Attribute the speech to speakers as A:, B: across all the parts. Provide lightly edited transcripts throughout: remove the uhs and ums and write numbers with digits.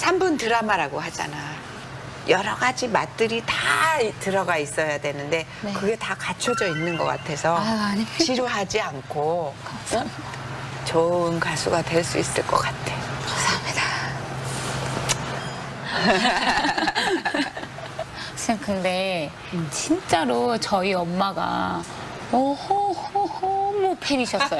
A: 3분 드라마라고 하잖아. 여러 가지 맛들이 다 들어가 있어야 되는데
B: 네.
A: 그게 다 갖춰져 있는 것 같아서
B: 아유, 아닙니다.
A: 지루하지 않고
B: 감사합니다.
A: 좋은 가수가 될 수 있을 것 같아.
B: 감사합니다. 선생님 근데 진짜로 저희 엄마가 오호호호모 팬이셨어요.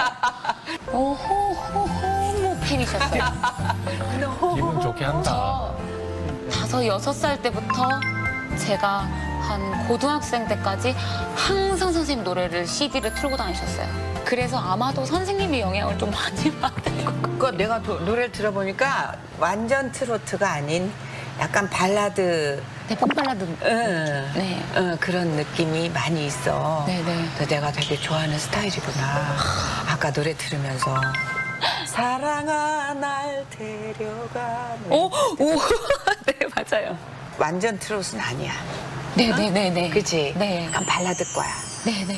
B: 오호호호모 팬이셨어요.
C: 기분 좋게 한다.
B: 저 5, 6살 때부터 제가 한 고등학생 때까지 항상 선생님 노래를 CD를 틀고 다니셨어요. 그래서 아마도 선생님의 영향을 좀 많이 받은 것 같아요.
A: 그거 내가 노래를 들어보니까 완전 트로트가 아닌 약간 발라드
B: 네, pop발라드. 네.
A: 그런 느낌이 많이 있어.
B: 네네.
A: 그래서 내가 되게 좋아하는 스타일이구나. 아까 노래 들으면서 사랑아 날 데려가.
B: 오! 네, 맞아요.
A: 완전 트롯은 아니야.
B: 네네네네.
A: 그치?
B: 네.
A: 약간 발라드 거야.
B: 네네.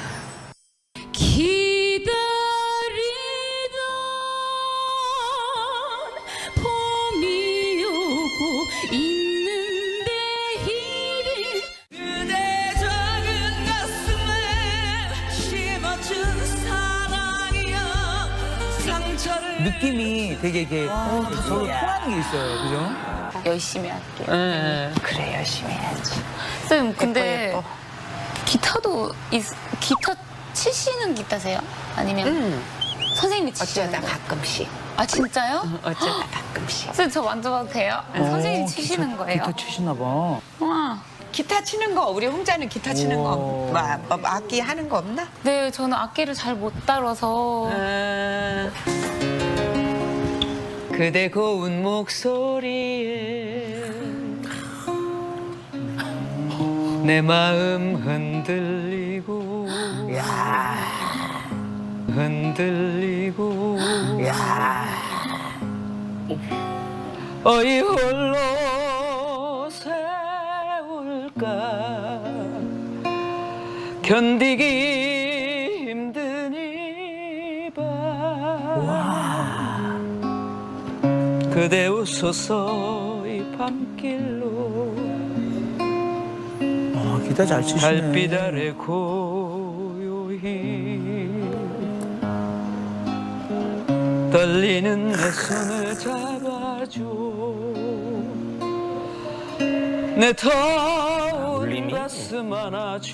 B: 기다리던 봄이 오고 있는데 이를 그대 작은 가슴에 심어준 사랑이여 상처를
D: 느낌이 되게 이게 서로 통하는 게 있어요. 그죠?
B: 열심히 할게요.
A: 그래 열심히 해야지.
B: 쌤 근데
A: 예뻐.
B: 기타도 기타 치시는 기타세요? 아니면 선생님이 치시는
A: 어쩌다
B: 거예요?
A: 가끔씩.
B: 아 진짜요?
A: 어쩌다 가끔씩.
B: 선 저 만져봐도 돼요? 선생님이 치시는 거예요?
D: 기타 치시나 봐.
B: 와.
A: 기타 치는 거 우리 홍자는 기타 치는 거
D: 오.
A: 악기 하는 거 없나?
B: 네, 저는 악기를 잘 못 다뤄서
A: 그대 고운 목소리에 내 마음 흔들리고 흔들리고 어이 홀로 세울까 견디기 힘든 이밤 그대 웃어서 이 밤길로
D: 기타 잘 치시네.
A: 달빛 아래 고요히 떨리는 내 손을 잡아줘 내 더운 가슴 안아줘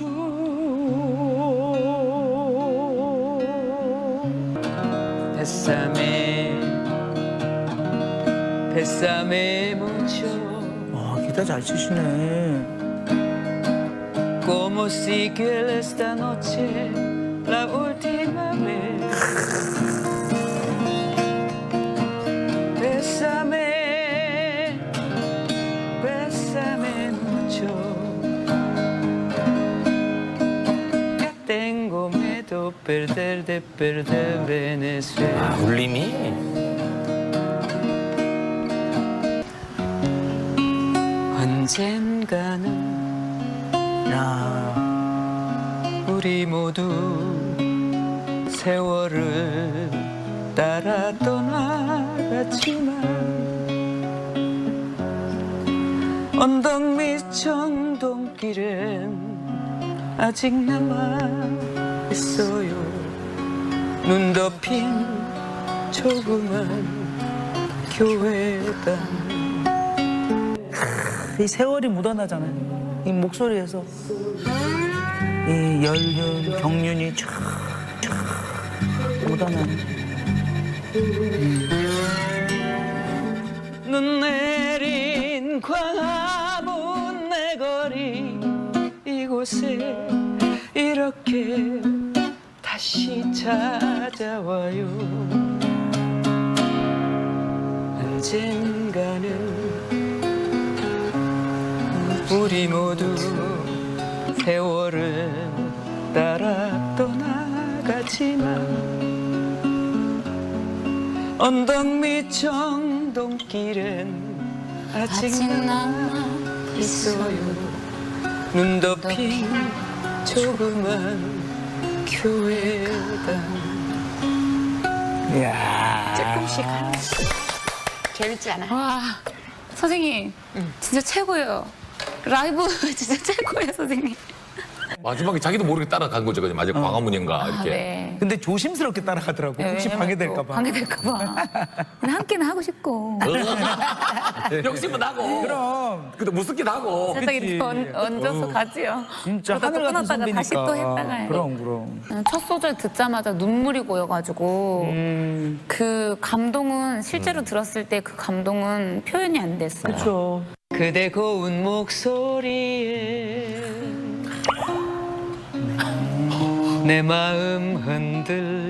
A: 뱃삼에 묻혀
D: 기타 잘 치시네.
A: Como sigue esta noche la última vez. Bésame, bésame mucho. Que tengo miedo de perder Venezuela.
C: 울림이
A: 언젠가는
D: 야,
A: 우리 모두 세월을 따라 떠나갔지만 언덕 밑 정동길엔 아직 남아 있어요 눈 덮인 조그만 교회당
D: 이 세월이 묻어나잖아요. 이 목소리에서 이 연륜, 경륜이 쫙 묻어나네.
A: 눈 내린 광화문 내 거리 이곳에 이렇게 다시 찾아와요 언젠가는 우리 모두 세월을 따라 떠나가지만 언덕 밑 정동길엔 아직 남아 있어요 눈 덮인 조그만 교회당
D: 이야.
A: 조금씩 하는 거 재밌지 않아?
B: 와 선생님 진짜 최고예요. 라이브 진짜 최고예요, 선생님.
C: 마지막에 자기도 모르게 따라간 거죠. 그냥 마지막 광화문인가
B: 아,
C: 이렇게.
B: 네.
D: 근데 조심스럽게 따라가더라고.
B: 네,
D: 혹시
B: 왜냐면
D: 방해될까
B: 또
D: 봐.
B: 방해될까 봐. 근데 함께는 하고 싶고.
C: 욕심은 나고.
D: 그럼
C: 근데 무섭긴 하고.
B: 살짝
D: 그치.
B: 이렇게 얹어서 가지요.
D: 진짜
B: 그러다 또
D: 하늘 같은
B: 끊었다가 다시 또
D: 선배니까.
B: 했다가.
D: 그럼.
B: 첫 소절 듣자마자 눈물이 고여가지고 그 감동은 실제로 들었을 때 그 감동은 표현이 안 됐어요.
D: 그렇죠.
A: 그대 고운 목소리에 내 마음 흔들